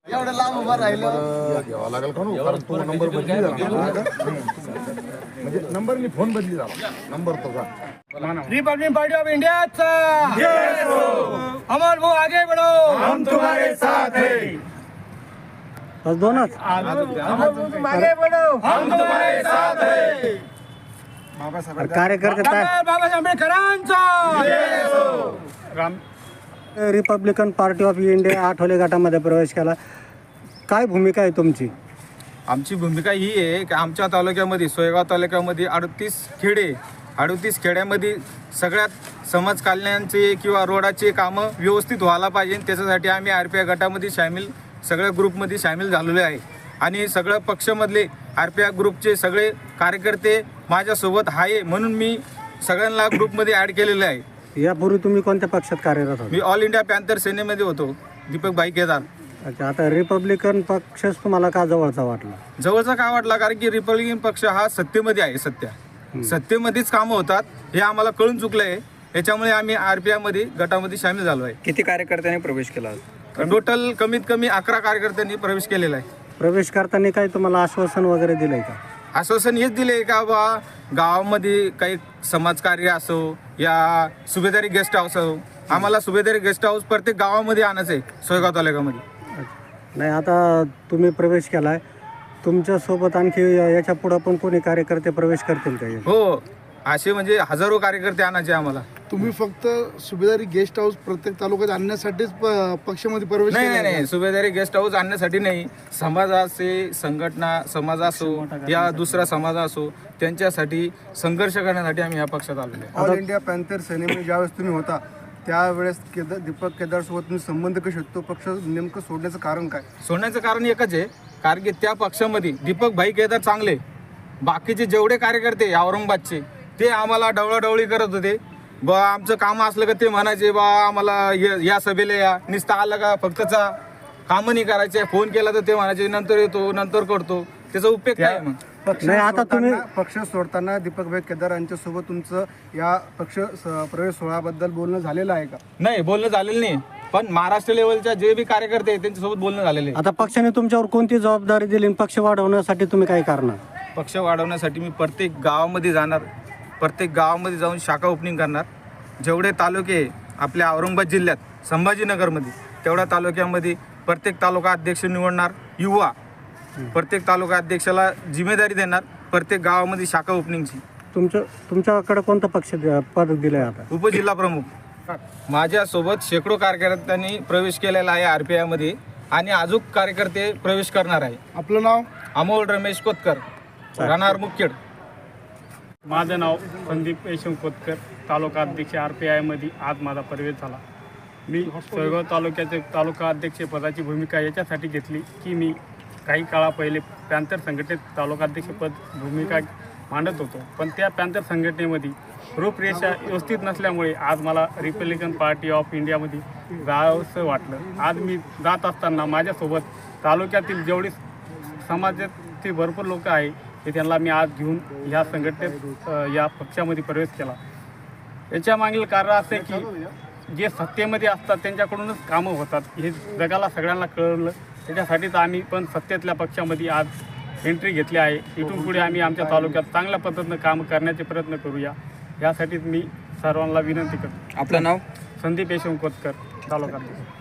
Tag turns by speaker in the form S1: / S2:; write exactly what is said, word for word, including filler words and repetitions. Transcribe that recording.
S1: एवढं लांब उभा राहिलं
S2: घ्यावा लागेल का नो? कारण तो नंबर बदली झाला ना. म्हणजे नंबरनी फोन बदली झाला नंबर तो का
S3: रिपब्लिक पार्टी ऑफ इंडिया अमर वो आगे बढ़ो हम तुम्हारे साथ हैं
S4: बस दोनच
S3: आगे बढ़ो हम तुम्हारे साथ हैं
S4: कार्यकर्ते काय
S3: बाबासाहेब आंबेडकरांचा
S4: राम रिपब्लिकन पार्टी ऑफ इंडिया आठवले गटामध्ये प्रवेश केला. काय भूमिका आहे तुमची?
S5: आमची भूमिका ही आहे की आमच्या तालुक्यामध्ये सोयगाव तालुक्यामध्ये अडतीस खेडे अडतीस खेड्यामध्ये सगळ्यात समाज कल्याणाचे किंवा रोडाचे कामं व्यवस्थित व्हायला पाहिजे. त्याच्यासाठी आम्ही आर पी आय गटामध्ये सामील सगळ्या ग्रुपमध्ये सामील झालेलो आहे आणि सगळ्या पक्षामधले आर पी आय ग्रुपचे सगळे कार्यकर्ते माझ्यासोबत आहे म्हणून मी सगळ्यांना ग्रुपमध्ये ॲड केलेले आहे.
S4: यापूर्वी तुम्ही कोणत्या पक्षात कार्यरत होता?
S5: मी ऑल इंडिया पॅन्थर सेनेमध्ये होतो, दीपक भाई केदार.
S4: अच्छा, आता रिपब्लिकन पक्षच तुम्हाला का जवळचा वाटला?
S5: जवळचा का वाटला कारण की रिपब्लिकन पक्ष हा सत्तेमध्ये आहे. सत्या सत्तेमध्येच कामं होतात हे आम्हाला कळून चुकलं आहे. याच्यामुळे आम्ही आर पी आयमध्ये गटामध्ये सामील झालो आहे.
S6: किती कार्यकर्त्यांनी प्रवेश केला?
S5: टोटल कमीत कमी अकरा कार्यकर्त्यांनी प्रवेश केलेला आहे.
S4: प्रवेश करताना काही तुम्हाला आश्वासन वगैरे दिलंय का?
S5: आश्वासन हेच दिले का बा गावामध्ये काही समाजकार्य असो या सुभेदारी गेस्ट हाऊस असो, आम्हाला सुभेदारी गेस्ट हाऊस प्रत्येक गावामध्ये आणायचं आहे सोयगाव तालुक्यामध्ये.
S4: नाही, आता तुम्ही प्रवेश केलाय, तुमच्यासोबत आणखी याच्या पुढे पण कोणी कार्यकर्ते प्रवेश करतील का?
S5: हो, असे म्हणजे हजारो कार्यकर्ते आणायचे आम्हाला.
S2: तुम्ही फक्त सुभेदारी गेस्ट हाऊस प्रत्येक तालुक्यात आणण्यासाठीच पक्षामध्ये प्रवेश
S5: नाही नाही नाही सुभेदारी गेस्ट हाऊस आणण्यासाठी नाही. समाजाचे संघटना समाज असो या दुसरा समाज असो त्यांच्यासाठी संघर्ष करण्यासाठी आम्ही या पक्षात आलेलो आहे.
S1: ऑल इंडिया पॅन्थर सेनेमध्ये ज्यावेळेस तुम्ही होता त्यावेळेस केदार दीपक केदार सोबत तुम्ही संबंध कसे होते? तो पक्ष नेमकं सोडण्याचं कारण काय?
S5: सोडण्याचं कारण एकच आहे, कारण की त्या पक्षामध्ये दीपक भाई केदार चांगले, बाकीचे जेवढे कार्यकर्ते औरंगाबादचे ते आम्हाला डवळाडवळी करत होते. बा आमचं काम असलं का ते म्हणायचे बा आम्हाला या सभेला या, नुसतं आलं का फक्तचा कामं नाही करायचे. फोन केला तर ते म्हणायचे नंतर येतो नंतर करतो. त्याचा उपयोग काय मग?
S1: पक्ष
S4: नाही, आता तुम्ही
S1: पक्ष सोडताना दीपक भाई केदार यांच्यासोबत तुमचं या पक्ष स- प्रवेश सोहळ्याबद्दल बोलणं झालेलं आहे का?
S5: नाही, बोलणं झालेलं नाही, पण महाराष्ट्र लेवलच्या जे बी कार्यकर्ते आहेत त्यांच्यासोबत बोलणं झालेलं आहे.
S4: आता पक्षाने तुमच्यावर कोणती जबाबदारी दिली आणि पक्ष वाढवण्यासाठी तुम्ही काय करणार?
S5: पक्ष वाढवण्यासाठी मी प्रत्येक गावामध्ये जाणार, प्रत्येक गावामध्ये जाऊन शाखा ओपनिंग करणार. जेवढे तालुके आपल्या औरंगाबाद जिल्ह्यात संभाजीनगरमध्ये तेवढ्या तालुक्यामध्ये प्रत्येक तालुका अध्यक्ष निवडणार. युवा प्रत्येक तालुका अध्यक्षाला जिम्मेदारी देणार प्रत्येक गावामध्ये शाखा ओपनिंगची.
S4: तुमचं तुमच्याकडे कोणतं पक्ष पद दिलंय आता?
S5: उपजिल्हा प्रमुख. माझ्यासोबत शेकडो कार्यकर्त्यांनी प्रवेश केलेला आहे आर पी आयमध्ये आणि अजून कार्यकर्ते प्रवेश करणार आहे.
S2: आपलं नाव?
S5: अमोल रमेश कोतकर, राहणार मुखेड.
S7: माझं नाव संदीप यशवंत कोतकर, तालुका अध्यक्ष आर पी आयमध्ये आज माझा प्रवेश झाला. मी सोयगाव तालुक्याचे तालुका अध्यक्ष पदाची भूमिका याच्यासाठी घेतली की मी काही काळा पहिले पॅन्थर संघटनेत तालुका अध्यक्षपद भूमिका मांडत होतो, पण त्या पॅन्थर संघटनेमध्ये रूपरेषा व्यवस्थित नसल्यामुळे आज मला रिपब्लिकन पार्टी ऑफ इंडियामध्ये जावंसं वाटलं. आज मी जात असताना माझ्यासोबत तालुक्यातील जेवढी समाजातील भरपूर लोक आहे ते त्यांना मी आज घेऊन ह्या संघटनेत या पक्षामध्ये प्रवेश केला. याच्या मागील कारण असे की जे सत्तेमध्ये असतात त्यांच्याकडूनच कामं होतात हे जगाला सगळ्यांना कळलं. त्याच्यासाठीच आम्ही पण सत्तेतल्या पक्षामध्ये आज एंट्री घेतली आहे. इथून पुढे आम्ही आमच्या तालुक्यात चांगल्या पद्धतीनं काम करण्याचे प्रयत्न करूया यासाठीच मी सर्वांना विनंती करतो.
S6: आपलं नाव?
S7: संदीप यशवंत कोतकर, तालुका.